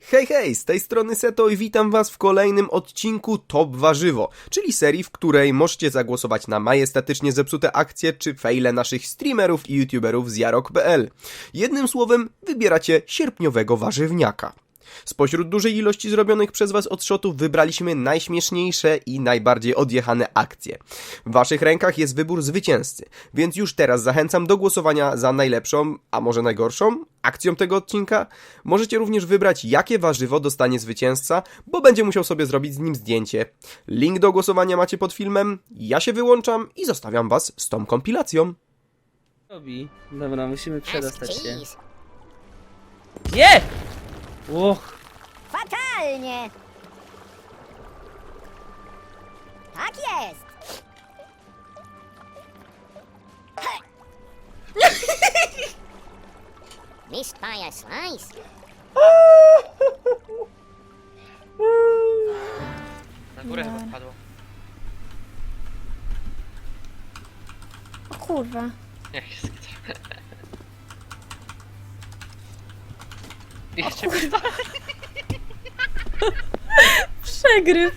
Hej, hej, z tej strony Seto i witam was w kolejnym odcinku Top Warzywo, czyli serii, w której możecie zagłosować na majestatycznie zepsute akcje czy fejle naszych streamerów i youtuberów z jarok.pl. Jednym słowem, wybieracie sierpniowego warzywniaka. Spośród dużej ilości zrobionych przez was odshotów wybraliśmy najśmieszniejsze i najbardziej odjechane akcje. W waszych rękach jest wybór zwycięzcy, więc już teraz zachęcam do głosowania za najlepszą, a może najgorszą akcją tego odcinka. Możecie również wybrać, jakie warzywo dostanie zwycięzca, bo będzie musiał sobie zrobić z nim zdjęcie. Link do głosowania macie pod filmem, ja się wyłączam i zostawiam was z tą kompilacją. Dobra, musimy przedostać się. Nie! Och, Fatalnie! Tak jest! Missed by a slice. Na górę chyba wpadło. O kurwa. Jak się skrycie. Jeszcze Przegryw.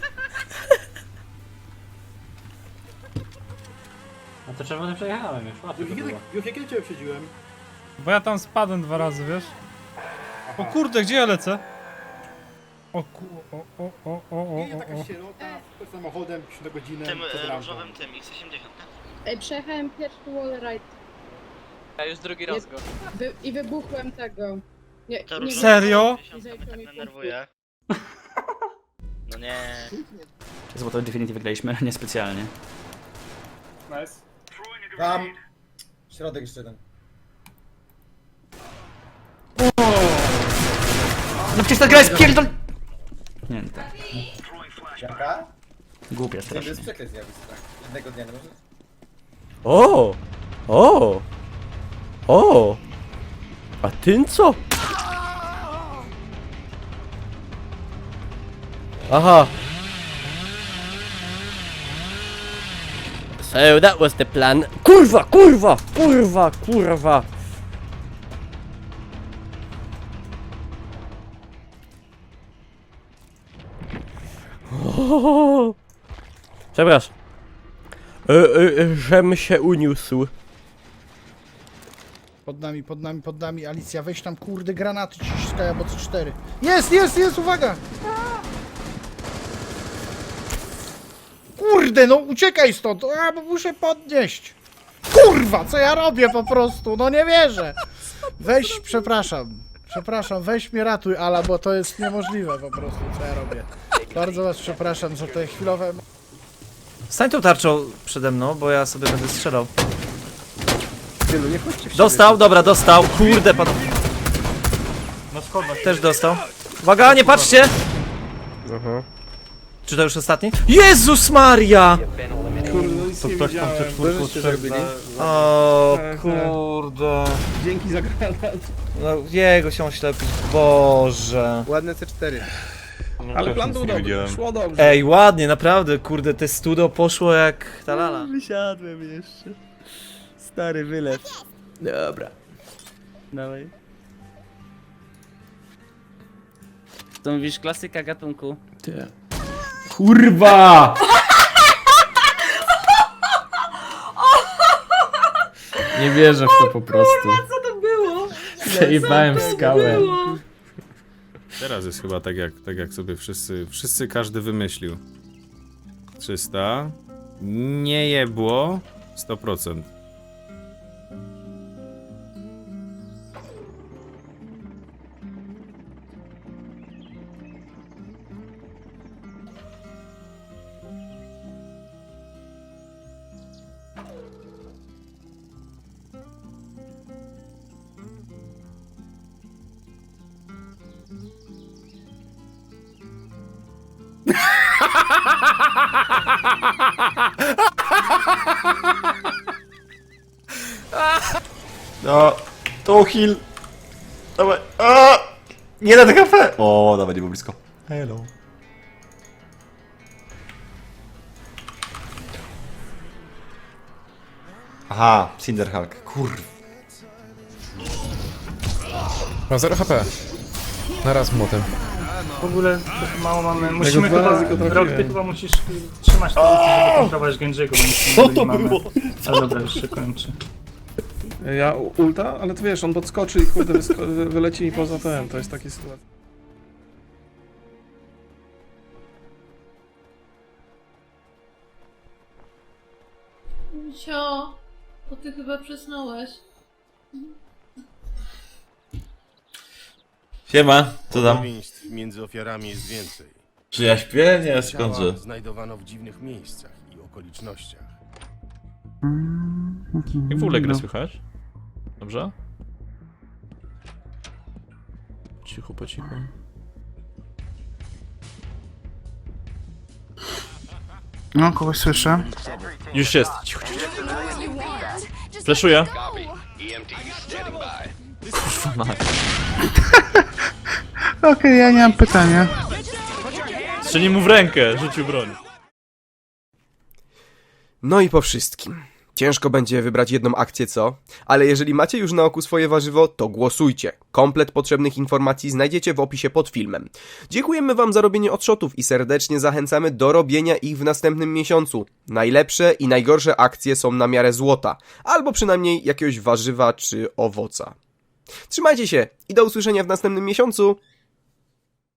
No to czerwony przejechałem już, łatwo to było. Już jak ja cię uprzedziłem? Bo ja tam spadłem 2 razy, wiesz? O kurde, gdzie ja lecę? O Nie, taka sierota, z samochodem, 3 na godzinę, tym przed rampą. różowym tym X80, tak? Ej, przejechałem pierwszy wall ride Ja już drugi raz go. i wybuchłem tego. Nie, To nie różowy Serio? 80 mnie tak denerwuje. No nie. Złoto Infinity wygraliśmy, niespecjalnie. Nice. Tam, środek jeszcze jeden. No przecież ta gra jest pierdol... Nie, no tak. Jaka? Głupia To strasznie. jest przekleństw zjawisk, tak. Jednego dnia nie może? O! O! O! A ty co? Aha. So that was the plan. Kurwa, kurwa, kurwa, kurwa. O! Przepraszam. Żem się uniósł. Pod nami, Alicja, weź tam kurde granaty ciskaj albo C4. Jest, uwaga! Kurde, no uciekaj stąd, bo muszę podnieść. Kurwa, co ja robię po prostu, no nie wierzę. Weź, przepraszam, weź mnie ratuj, Ala, bo to jest niemożliwe po prostu, co ja robię. Bardzo was przepraszam za te chwilowe... Stań tą tarczą przede mną, bo ja sobie będę strzelał. Dostał, dobra, dostał. Kurde, pan... Też dostał. Uwaga, nie patrzcie! Czy to już ostatni? Jezus Maria! To ktoś tam przed czwórką zrobili? O kurde. Dzięki za granat. No jego się oślepić, Boże. Ładne C4. Ale plan był dobry, szło dobrze. Ej, ładnie, naprawdę, kurde, te studio poszło jak ta lala. Wysiadłem jeszcze. Stary wylew. Dobra. dawaj. To mówisz klasyka gatunku. Kurwa! Nie wierzę w to po prostu. Co to było? Przejebałem skałę. Teraz jest chyba tak jak sobie wszyscy każdy wymyślił. 300. Nie jebło. 100%. No, to heal. Dawaj. A! Nie na kafe. O, dawaj, nie było blisko. Hello. Aha, Cinderhulk, kurw. Mam 0 HP. Naraz młotem. W ogóle mało mamy. Musimy chyba. Rok, ty chyba musisz trzymać to, żeby kontrolować Genji'ego, bo co to było? Ale dobra, już się kończy. Ja ulta, ale to wiesz, on podskoczy i kurde wyleci mi poza ten, to jest takie sytuacja. Cio, to ty chyba przysnąłeś. Siema, co tam? Podobieństw między ofiarami jest więcej. Czy ja śpię? Nie, Ciała skądże. znajdowano w dziwnych miejscach i okolicznościach. Jak w ogóle grę słychać? Dobrze? Cicho, po cichu. No, kogoś słyszę. Już jest. Cicho, cicho. Fleszuję. Kurwa mać. Okej, ja nie mam pytania. Strzeli mu w rękę, rzucił broń. No i po wszystkim. Ciężko będzie wybrać jedną akcję, co? Ale jeżeli macie już na oku swoje warzywo, to głosujcie. Komplet potrzebnych informacji znajdziecie w opisie pod filmem. Dziękujemy wam za robienie odshotów i serdecznie zachęcamy do robienia ich w następnym miesiącu. Najlepsze i najgorsze akcje są na miarę złota, albo przynajmniej jakiegoś warzywa czy owoca. Trzymajcie się i do usłyszenia w następnym miesiącu.